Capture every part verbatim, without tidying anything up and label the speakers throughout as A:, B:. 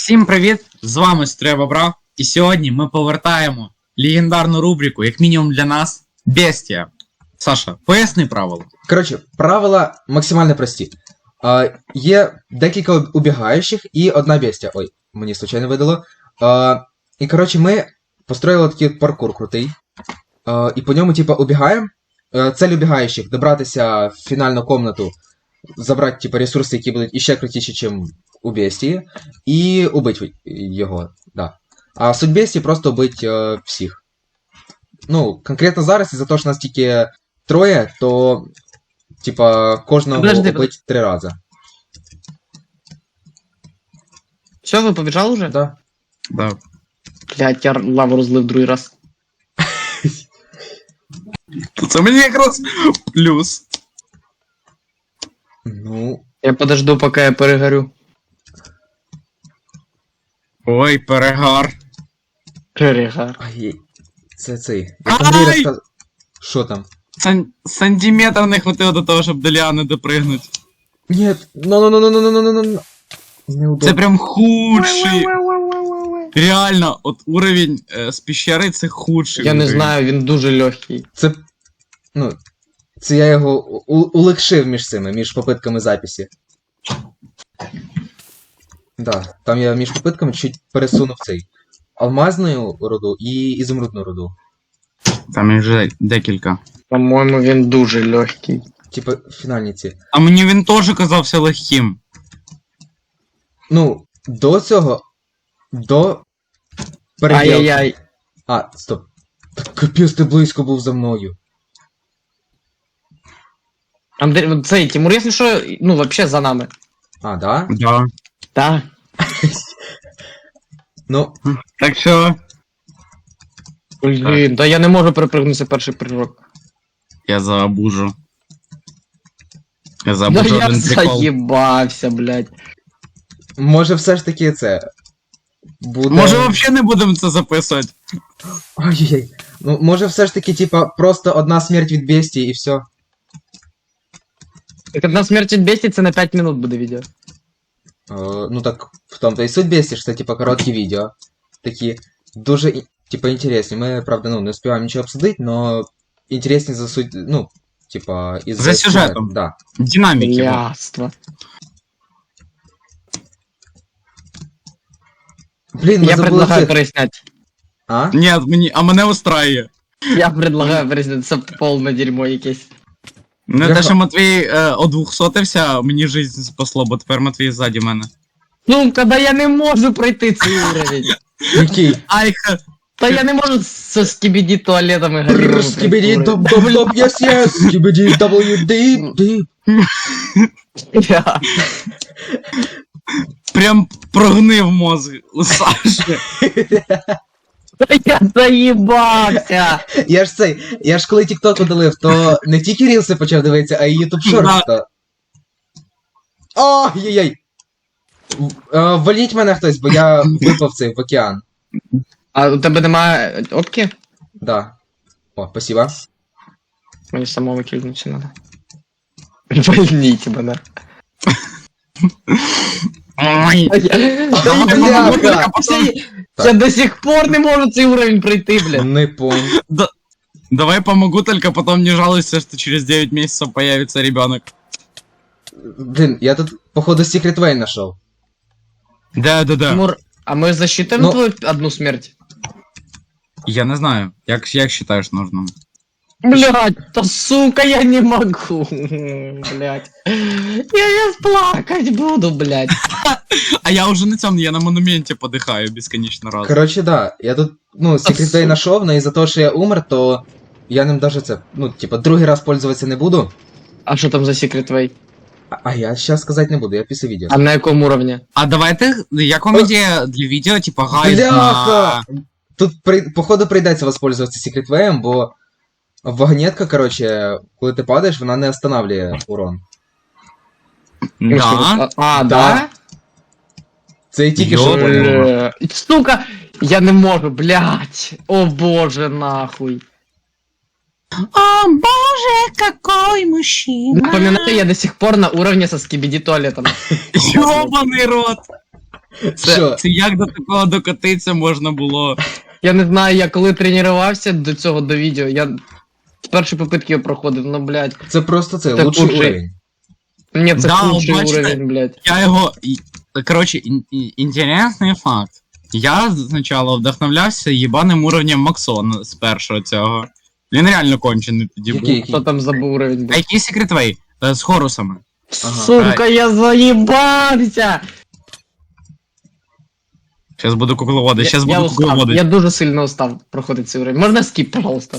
A: Всім привіт! З вами Стребобрав, і сьогодні ми повертаємо легендарну рубрику, як мінімум для нас, Бестія. Саша, поясни правила.
B: Коротше, правила максимально прості. А, є декілька убігаючих і одна бестія. Ой, мені случайно видало. А, і коротше, ми построїли такий паркур крутий. А, і по ньому, типа, убігаємо. А, цель убігаючих добратися в фінальну комнату, забрати, типа, ресурси, які будуть іще крутіші, ніж у бестії, і убити його. Да. А суть бестії просто убити е, всіх. Ну, конкретно зараз, із-за того, що нас тільки троє, то, типа, кожного
C: Подожди,
B: убить три рази.
C: Все, ви побіжали вже?
B: Да.
A: Да.
C: Блять, я лаву розлив другий раз.
A: Це мені якраз плюс.
B: Ну.
C: Я подожду, поки я перегорю.
A: Ой, перегар.
C: Перегар.
B: Ай, це цей. Я Андрій розказ... Що там?
A: Сан... Сантиметр не хватило до того, щоб до Ліани допригнути.
B: Ні, ну ну ну ну ну ну ну ну Неудобно.
A: Це прям худший. Реально, от уровень е, з піщери це худший.
C: Я не
A: уровень.
C: знаю, він дуже легкий.
B: Це. Ну. Це я його у- улегшив між цими, між попитками записі. Да, там я між попитками чуть пересунув цей. Алмазну руду і ізумрудну руду.
A: Там їх вже декілька.
C: По-моєму, він дуже легкий.
B: Типа фінальні ці.
A: А мені він теж казався легким.
B: Ну, до цього. До. переділки.
C: Ай-яй-яй.
B: А, стоп. Так капець, ти близько був за мною.
C: Андрій, вот цей, Тимур, якщо що, ну, вообще за нами.
B: А, да?
A: Да.
C: Так.
B: Ну,
A: Так що
C: Блін, да я не можу перепригнути перший прыжок.
A: я забужу. Я
C: Да
A: забужу
C: я
A: один прикол.
C: заїбався, блядь.
B: може все ж таки це. Буде.
A: Може взагалі не будемо це записувати?
B: Ой-ой-ой. Ну, може все ж таки, типа, просто одна смерть від бестії і все.
C: Так одна смерть від бестії, це на п'ять минут буде відео.
B: Е, ну так, в тому-то і суть бестії, що це, типа, короткі відео. Такі дуже, і- типа, інтересні. Ми, правда, ну, не успіваємо нічого обсудити, но інтересні за суть, ну, типа, із
A: За сюжетом.
B: Да.
A: Динаміки. бо.
C: Яство.
B: Блін, ми
C: Я
B: забули
C: предлагаю
B: цих.
C: переснять.
B: А?
A: Ні, мені, а мене устраює.
C: Я предлагаю переснять, це повне дерьмо якесь.
A: Не
B: Я
A: те,
B: ха-
A: що Матвій е, одвухсотився, мені жизнь спасло, бо тепер Матвій ззаді мене.
C: Ну, коли я не можу пройти цей уровень.
B: Який?
A: Айха!
C: Та я не можу со скібіді туалетами горілими
B: Скибиди доп доп доп yes yes Скибиди W D D.
C: Я.
A: Прям прогнив мозг у Саші.
C: Та я заїбався.
B: Я ж цей, я ж коли TikTok удалив, то не тільки рілси почав дивитися, а й YouTube Shorts. то- Ой-ой-ой. В- е, Валіть мене хтось, бо я випав цей в океан.
C: А у тебе немає опки?
B: Да. О, спасибо.
C: Мені самому кільнутися надо. Вольніть мене.
A: Ой.
C: Та
B: бляха.
C: я- Я до сих пор не можу цей уровень пройти, блядь.
B: Не пон.
A: Давай помогу, только потом не жалуйся, что через девять месяцев появится ребенок.
B: Блін, я тут, походу, Secret Way нашов.
A: Да-да-да.
C: Тимур, а ми засчитаємо
B: Ну-
C: твою одну смерть?
A: Я не знаю, як, як считаешь нужным?
C: Блядь, да сука, я не могу, блядь. Я сейчас плакать буду, блядь.
A: А я уже на цьому, я на монументе подыхаю бесконечно раз.
B: Коротше, да, я тут, ну, Secret Way нашов, но із-за того, що я умер, то я ним даже це, ну, типа, другий раз пользуватися не буду.
C: А що там за Secret Way?
B: А, а я щас сказати не буду, я після відео.
C: А на якому уровні?
A: А давайте, як вам ідея для відео, типа гайд
B: Бляха!
A: на...
B: Тут, при... походу, прийдеться воспользуватися Secret Way, бо вагонетка, короче, коли ти падаєш, вона не останавливає урон.
A: Да?
C: А, а,
B: Да.
C: да?
B: Це я тільки
A: Йо.
B: що поняв.
C: Бля. Сука, я не можу, блядь. О боже, нахуй.
A: О боже, какой мужчина!
C: Напоминаю, я до сих пор на уровне со скибиди туалетом.
A: Ёбаный рот! Це,
B: Що?
A: це як до такого докотитися можна було?
C: Я не знаю, я коли тренувався до цього, до відео, я з першої попитки його проходив, ну, блядь.
B: Це просто це,
C: Так
B: лучший
C: уже.
B: уровень.
C: Ні, це
A: Да,
C: худший
A: бачите?
C: уровень, блядь.
A: Я його. і- Коротше, ін- і- інтересний факт. Я спочатку вдохновлявся їбаним уровнем Максона з першого цього. Він реально кончений тоді був.
B: Який, який?
C: Хто там за уровень,
A: А
C: блядь?
A: який секретвей? Е, З хорусами.
B: Ага.
C: Сука, я заїбався!
A: Зараз буду кукловоди,
C: Я,
A: зараз
C: я
A: буду
C: устав,
A: кукловоди.
C: я дуже сильно устав проходити цей уровень. Можна скіп, пожалуйста?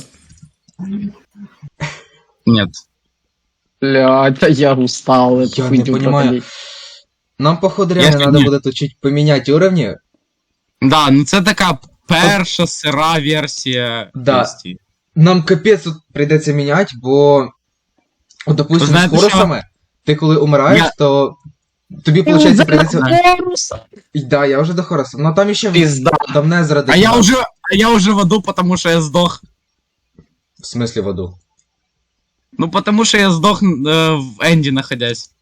A: Ні.
C: Блядь, та я устал, эту
B: Я не
C: хуйню
B: понимаю.
C: проходить.
B: Нам, походу,
A: Я
B: реально
A: ж
B: треба
A: ні.
B: буде тут чуть поміняти уровні.
A: Да, ну це така перша сира версія.
B: Да.
A: Бестії.
B: Нам капець тут прийдеться міняти, бо, от, допустим, з
A: Знаєте,
B: хорусами, ти коли умираєш,
A: Я-
B: то тобі,
C: Ти
B: виходить,
C: вже
B: прийдеться.
C: на Хоруса?
B: І да, я вже до хоруса. Ну там іще
C: Пізда.
B: давне зради.
A: А я уже, а я уже в аду, потому що я здох.
B: В смислі в аду.
A: Ну, потому що я здох е, в Енді находясь.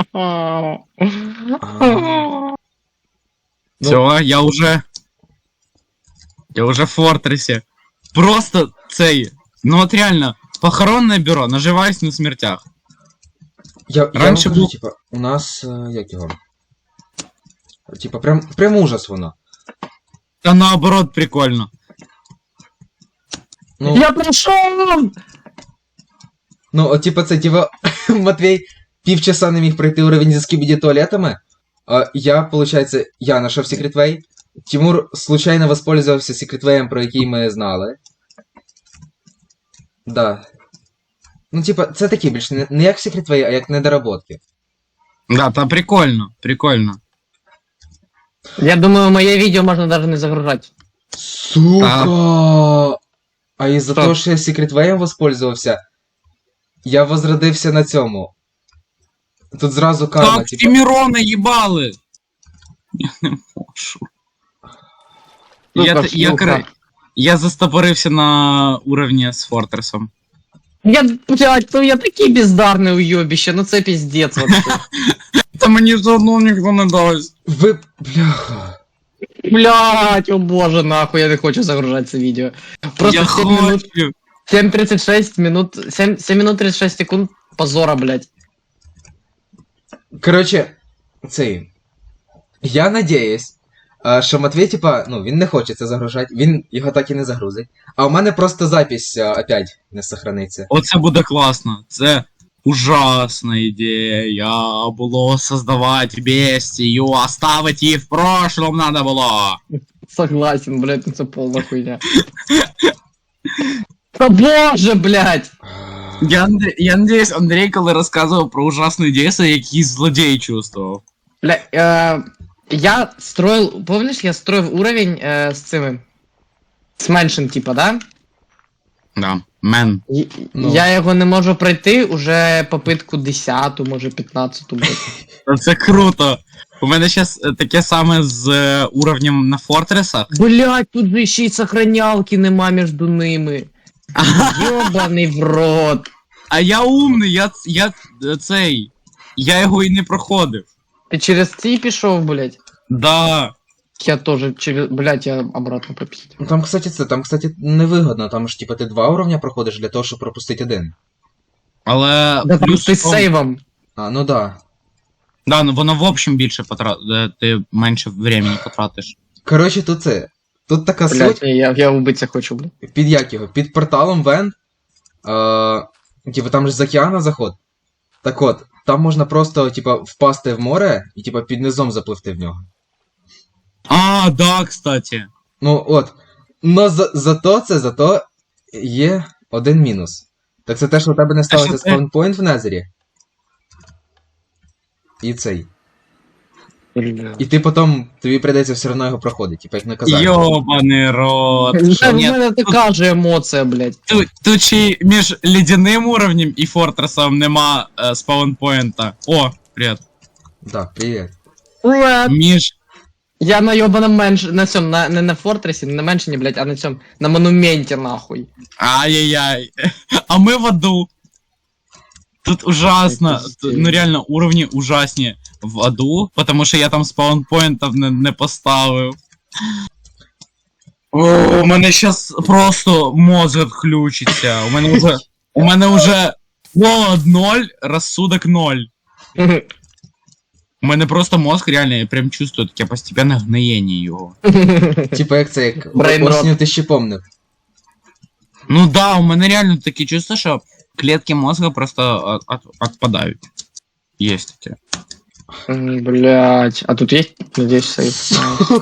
B: Ну-
A: Все, я уже. Я уже в Фортресі. Просто цей. Ну от реально, похоронне бюро, наживаюсь на смертях.
B: Я, я
A: Раніше
B: вам кажу,
A: був-
B: типа, у нас, е, як його? Типа, прям, прям ужас воно.
A: Та наоборот, прикольно.
B: Ну,
C: Я прийшов!
B: ну от, типа, це, типа, Матвій півчаса не міг пройти уровень зі скібіді туалетами, а я, получается, я нашов секретвей, Тимур случайно воспользовался секретвеєм, про який ми знали. Да. Ну, типа, це такі більш не, не як секретвей, а як недоработки.
A: Да, та прикольно, прикольно.
C: Я думаю, моє відео можна навіть не загружати.
B: Сука! А із-за
C: Що?
B: того, що я секретвеєм воспользовався, я возродився на цьому. Тут зразу карма,
A: Так,
B: типа.
A: Тімірона їбали! Я не можу. Я,
C: Сука,
A: т- я,
C: шлюха.
A: кра- я застопорився на уровні з Фортресом.
C: Я, блядь, ну я такий бездарний уйобище, ну це піздець вообще.
A: Та мені все одно ніхто не дасть.
B: Ви. Бляха.
C: Блядь, о боже, нахуй, я не хочу загружати це відео. Просто
A: я
C: сім минут,
A: хочу.
C: сім тридцять шість минут, сім, сім минут тридцять шість секунд позора, блядь.
B: Коротше, цей. Я надіюсь, а, що Матвій, типа, ну, він не хоче це загружати, він його так і не загрузить. А у мене просто запись а, опять не сохраниться.
A: Оце буде класно. Це ужасна ідея. Було создавати бестію, оставити її в прошлом надо було.
C: Согласен, блядь, ну це повна хуйня. Та боже, блядь!
A: Я, над- я надіюсь, Андрій, коли розказував про ужасну ідею, це якийсь злодій чувствував.
C: Бля, э, я строил, помнишь, я строил уровень э, с цими, с меншим, типа, да?
A: Да, мен.
C: І-
B: Ну.
C: Я його не можу пройти уже попитку десяту, може п'ятнадцяту, блядь.
A: Це круто. У мене зараз таке саме з е, уровнем на Фортресах.
C: Блядь, тут же ще й сохранялки нема між ними. Йобаний в рот.
A: А я умний, я, ц- я е, цей. Я його і не проходив.
C: Ти через ці пішов, блядь?
A: Да.
C: Я тоже через, блядь, я обратно поп'ю.
B: Ну там, кстати, це, там, кстати, невигодно, там ж, типа, ти два уровня проходиш для того, щоб пропустити один.
A: Але
C: Да там
A: плюс
C: ти
A: в
C: з
A: тому-
C: сейвом.
B: А, ну да.
A: Да, ну воно в общем більше потра... е, ти менше времени потратиш.
B: Коротше, тут це. Тут така
C: Блядь,
B: суть.
C: ні, я, я убитися хочу, блядь.
B: Під як його? Під порталом Вен. Е, типу, там же з океана заход. Так от, там можна просто, типа, впасти в море і, типа, під низом запливти в нього.
A: А, да, кстати.
B: Ну от. Но за, зато це, зато є один мінус. Так це те, що у тебе не ставиться
A: що ти-
B: спаунпойнт в Незері. І цей. І ти потім, тобі прийдеться все одно його проходити, типа як наказання.
A: Йобаний рот.
C: Це в
A: Ні,
C: мене така же емоція, блядь.
A: Тут, тут ще й між ледяним уровнем і Фортресом нема е, спаунпоінта. О, привіт.
B: Да, привіт.
C: Привет.
A: Між.
C: Я на ёбаном менш... на цьому, на, не на фортресі, не на меншині, блядь, а на цьому, на монументі, нахуй.
A: Ай-яй-яй. А ми в аду. Тут ужасно.
C: Это
A: Тут, ну реально, уровні ужасні в аду, потому що я там спаунпоінтів не, не поставив. О, у мене щас просто мозг відключиться. У мене вже. У мене вже голод ноль, розсудок ноль. У мене просто мозг реально, я прям чувствую таке постепенне гниєння його.
B: Типа як це, як
C: Brain rot.
B: осінню ти ще помнив.
A: Ну да, у мене реально таке чувство, що клетки мозга просто от, от, отпадають. Есть таке.
C: Блять. А тут есть? Надеюсь, сейф.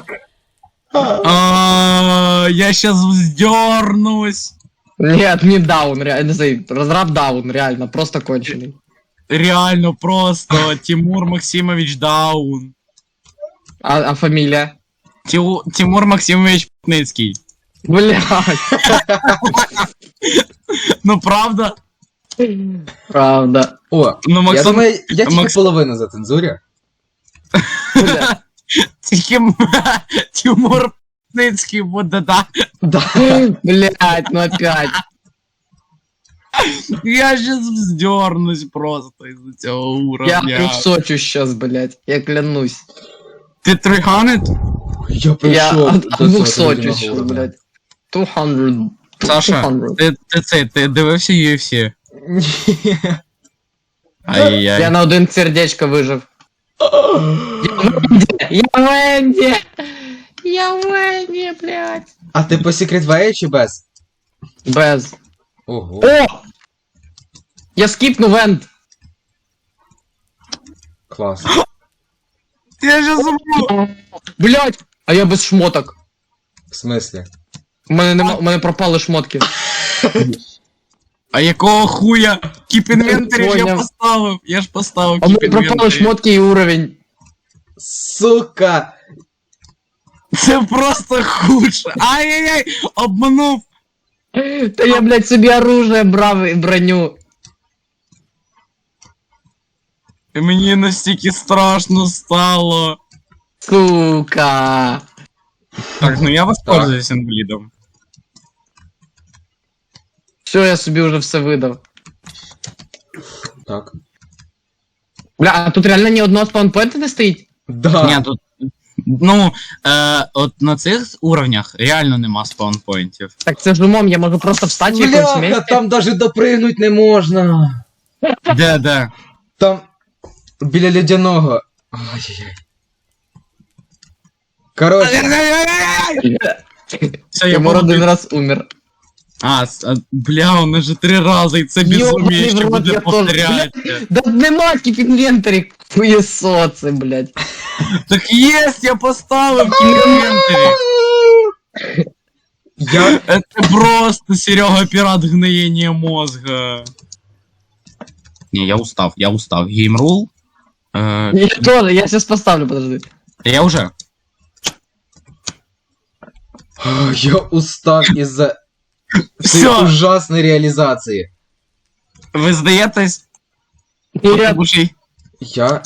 A: А, я сейчас вздернусь.
C: Нет, не даун, реально, сейф. Разраб даун, реально, просто конченый.
A: Реально просто. Тимур Максимович Даун.
C: А, а фамилия?
A: Тю- Тимур Максимович Путницкий.
C: Блять.
A: Ну правда?
C: Правда.
B: О,
A: Ну
B: я
A: Максим...
B: думаю, я тільки
A: Макс-
B: половину зацензурю.
C: Бля.
A: Тільки м- Тимур Путницький буде, да.
B: Да.
C: Блять, ну опять.
A: Я сейчас вздернусь просто из-за цього
C: Я
A: уровня.
C: трехсочу сейчас, блять. Я клянусь.
A: Ти триханит?
B: Я
C: Я
B: прийшов
C: от
B: до
C: двухсочу
B: цього
C: сейчас,
B: уровня.
C: блять. двести.
A: Саша,
C: двести.
A: ти, ти це, ти дивився ю еф сі?
B: Ні.
A: Ай-яй.
C: Я на один сердечко выжив. Я в Энди! Я в Энди, блядь!
B: А ти по Secret Way чи без?
C: Без.
B: Ого.
C: О! Я скипну вент!
B: Клас.
A: Я сейчас забув.
C: Блядь! А я без шмоток.
B: В смислі?
C: У мене, нема, у мене пропали шмотки.
A: А якого хуя? Keep inventory ж я
C: Поняв.
A: поставив. Я ж поставив
C: А у
A: keep
C: мене пропали
A: inventory.
C: шмотки і уровень.
B: Сука!
A: Це просто худше. Ай-яй-яй, обманув.
C: Та я, блядь, собі оружие брав і броню.
A: І мені настільки страшно стало.
C: Сука.
A: Так, ну я воспользуюсь інвалідом.
C: Все, я собі вже все видав.
B: Так.
C: Бля, а тут реально ні одного спаунпойнта не стоїть?
B: Да.
A: Ні, тут. Ну, е, от на цих уровнях реально нема спаунпоінтів.
C: Так це ж умом, я можу просто встати в якомусь
B: Бляха,
C: місці.
B: там даже допригнуть не можна.
A: Де, де?
B: Там біля ледяного. Ай-яй-яй. Короче,
A: Все, я
C: Тимур один
A: буду...
C: раз умер.
A: А, с- а, бля, он же три рази, і це
C: Йобаний
A: безуміє,
C: в
A: що
C: рот,
A: буде
C: я теж,
A: повторяти.
C: Да нема в інвентарі хуєсоци, блядь.
A: Так єсть, я поставив в інвентарі.
B: я...
A: Это просто Серега пират гноения мозга. Не, я устав, я устав. Геймрул. Э,
C: Я тоже, я сейчас поставлю, подожди.
A: я уже.
B: А, я устав із-за цієї
A: Всё.
B: ужасної реалізації.
A: Ви здаєтесь?
C: Нет,
A: Слушай,
B: Я...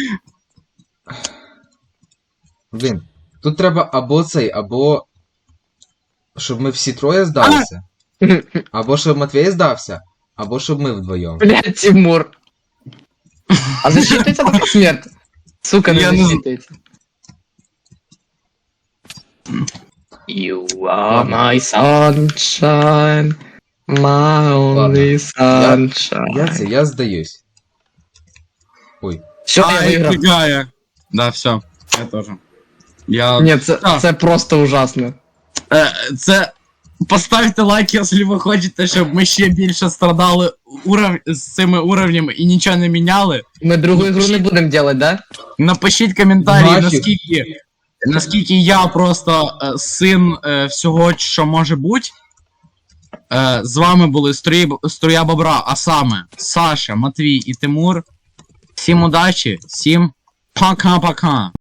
B: Блін, тут треба або цей, або... Щоб ми всі троє здалися. Або щоб Матвій здався, або щоб ми вдвоєм.
C: блядь, Тимур. А засчитывается такая смерть? Сука, не
A: Я не з-
C: засчитывается. You are my sunshine, my only sunshine.
B: Я це, я здаюсь. Ой.
C: Все, я
A: а,
C: виграв.
A: фигая. Да, все, я тоже. Я...
C: Ні, це,
A: А.
C: це просто ужасно.
A: Е, це... Поставте лайк, якщо ви хочете, щоб ми ще більше страдали уров... з цими уровнями і нічого не міняли.
C: Ми другу
A: Ну,
C: ігру не
A: пишіть.
C: будемо делать, да?
A: Напишіть коментарі,
B: Нафіг.
A: наскільки, наскільки я просто е, син е, всього, що може бути. Е, з вами були Струї, Струя Бобра, а саме Саша, Матвій і Тимур. Всім удачі, всім пока-пока.